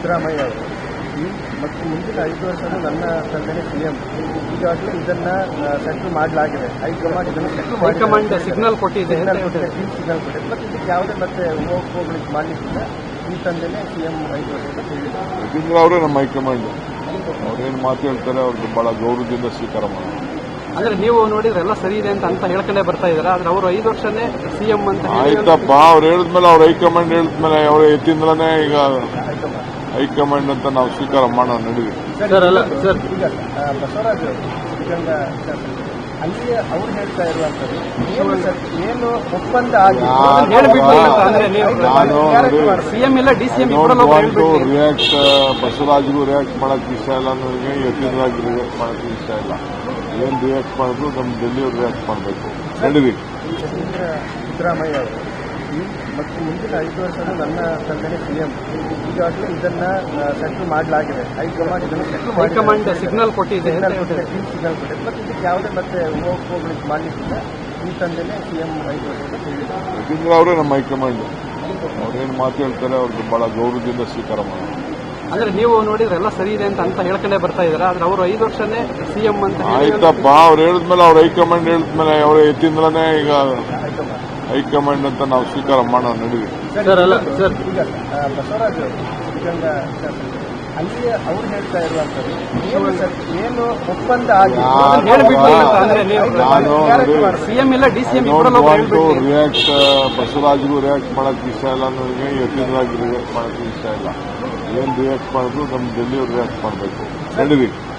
ಸಿದ್ದರಾಮಯ್ಯ ಅವರು ಮತ್ತು ಮುಂದಿನ 5 ವರ್ಷದ ನನ್ನ ತಂದೆನೇ ಸಿಎಂ. ಈಗಾಗಲೇ ಇದನ್ನ ಸೆಟ್ಲ್ ಮಾಡಲಾಗಿದೆ. ಹೈಕಮಾಂಡ್ ಇದನ್ನು ಹೈಕಮಾಂಡ್ ಸಿಗ್ನಲ್ ಕೊಟ್ಟಿದೆ, ಸಿಗ್ನಲ್ ಕೊಟ್ಟಿದೆ. ಮತ್ತು ಇದಕ್ಕೆ ಯಾವುದೇ ಮತ್ತೆ ಹೋಗ್ಲಿಕ್ಕೆ ಮಾಡಲಿಕ್ಕಿಲ್ಲ. ಈ ತಂದೆನೇ ಸಿಎಂ 5 ವರ್ಷದ ಹೇಳಿದ್ದಾರೆ. ಯತೀಂದ್ರ ಅವರೇ ನಮ್ಮ ಹೈಕಮಾಂಡ್. ಅವ್ರೇನು ಮಾತು ಹೇಳ್ತಾರೆ ಅವ್ರಿಗೆ ಬಹಳ ಗೌರವದಿಂದ ಸ್ವೀಕಾರ ಮಾಡಿ. ಅಂದ್ರೆ ನೀವು ನೋಡಿದ್ರೆ ಎಲ್ಲ ಸರಿ ಇದೆ ಅಂತ ಹೇಳ್ಕೊಂಡೇ ಬರ್ತಾ ಇದಾರೆ. ಆದ್ರೆ ಅವರು 5 ವರ್ಷನೇ ಸಿಎಂ ಅಂತ ಆಯ್ತಪ್ಪ, ಅವ್ರು ಹೇಳಿದ್ಮೇಲೆ ಅವ್ರ ಹೈಕಮಾಂಡ್ ಹೇಳಿದ್ಮೇಲೆ ಅವರ ಯತೀಂದ್ರನೇ ಈಗ ಹೈಕಮಾಂಡ್ ಅಂತ ನಾವು ಸ್ವೀಕಾರ ಮಾಡೋಣ ನಡೀವಿ. ಸರ್ ಈಗ ಬಸವರಾಜ್ ಸಿದ್ಧಗಂಗಾ ಅಲ್ಲಿ ಅವ್ರು ಹೇಳ್ತಾ ಇರುವಂತದ್ದು ಏನು ಒಪ್ಪಂದ ಆಗಿದೆ. ಸಿಎಂ ಇಲ್ಲ ಡಿಸಿಎಂ ರಿಯಾಕ್ಟ್ ಬಸವರಾಜ್ಗೂ ರಿಯಾಕ್ಟ್ ಮಾಡಕ್ ಇಷ್ಟ ಇಲ್ಲ, ನನಗೆ ಯತೀಂದ್ರಾಗಿ ರಿಯಾಕ್ಟ್ ಮಾಡಕ್ ಇಷ್ಟ ಇಲ್ಲ. ಏನ್ ರಿಯಾಕ್ಟ್ ಮಾಡಿದ್ರು ನಮ್ಮ ಡೆಲ್ಲಿಯವ್ರು ರಿಯಾಕ್ಟ್ ಮಾಡಬೇಕು ನಡೀವಿ. ಸಿದ್ದರಾಮಯ್ಯ ಅವರು ಮತ್ತು ಮುಂದಿನ 5 ವರ್ಷದ ನನ್ನ ತಂದೆನೇ ಸಿಎಂ. ಈಗಾಗಲೇ ಇದನ್ನ ಸೆಟ್ಲ್ ಮಾಡಲಾಗಿದೆ. ಹೈಕಮಾಂಡ್ ಇದನ್ನು ಹೈಕಮಾಂಡ್ ಸಿಗ್ನಲ್ ಕೊಟ್ಟಿದೆ, ಸಿಗ್ನಲ್ ಕೊಟ್ಟಿದೆ. ಮತ್ತು ಇದಕ್ಕೆ ಯಾವುದೇ ಮತ್ತೆ ಹೋಗ್ಲಿಕ್ಕೆ ಮಾಡಲಿಕ್ಕಿಲ್ಲ. ಈ ತಂದೆನೇ ಸಿಎಂ 5 ವರ್ಷದ ಹೇಳಿದ್ದಾರೆ. ಯತೀಂದ್ರ ಅವರೇ ನಮ್ಮ ಹೈಕಮಾಂಡ್. ಅವ್ರೇನು ಮಾತು ಹೇಳ್ತಾರೆ ಅವ್ರಿಗೆ ಬಹಳ ಗೌರವದಿಂದ ಸ್ವೀಕಾರ ಮಾಡಿ. ಅಂದ್ರೆ ನೀವು ನೋಡಿದ್ರೆ ಎಲ್ಲ ಸರಿ ಇದೆ ಅಂತ ಹೇಳ್ಕೊಂಡೇ ಬರ್ತಾ ಇದಾರೆ. ಆದ್ರೆ ಅವರು 5 ವರ್ಷನೇ ಸಿಎಂ ಅಂತ ಆಯ್ತಪ್ಪ, ಅವ್ರು ಹೇಳಿದ್ಮೇಲೆ ಅವ್ರ ಹೈಕಮಾಂಡ್ ಹೇಳಿದ್ಮೇಲೆ ಅವರ ಯತೀಂದ್ರನೇ ಈಗ ಹೈಕಮಾಂಡ್ ಅಂತ ನಾವು ಸ್ವೀಕಾರ ಮಾಡೋಣ ನಡೀವಿ. ಸರ್ ಈಗ ಬಸವರಾಜ್ ಸಿದ್ಧಗಂಗಾ ಅಲ್ಲಿ ಅವ್ರು ಹೇಳ್ತಾ ಇರುವಂತದ್ದು ಏನು ಒಪ್ಪಂದ ಆಗಿದೆ. ಸಿಎಂ ಇಲ್ಲ ಡಿಸಿಎಂ ರಿಯಾಕ್ಟ್ ಬಸವರಾಜ್ಗೂ ರಿಯಾಕ್ಟ್ ಮಾಡಕ್ ಇಷ್ಟ ಇಲ್ಲ, ನನಗೆ ಯತೀಂದ್ರಾಗಿ ರಿಯಾಕ್ಟ್ ಮಾಡಕ್ ಇಷ್ಟ ಇಲ್ಲ. ಏನ್ ರಿಯಾಕ್ಟ್ ಮಾಡಿದ್ರು ನಮ್ಮ ಡೆಲ್ಲಿಯವ್ರು ರಿಯಾಕ್ಟ್ ಮಾಡಬೇಕು ನಡೀವಿ.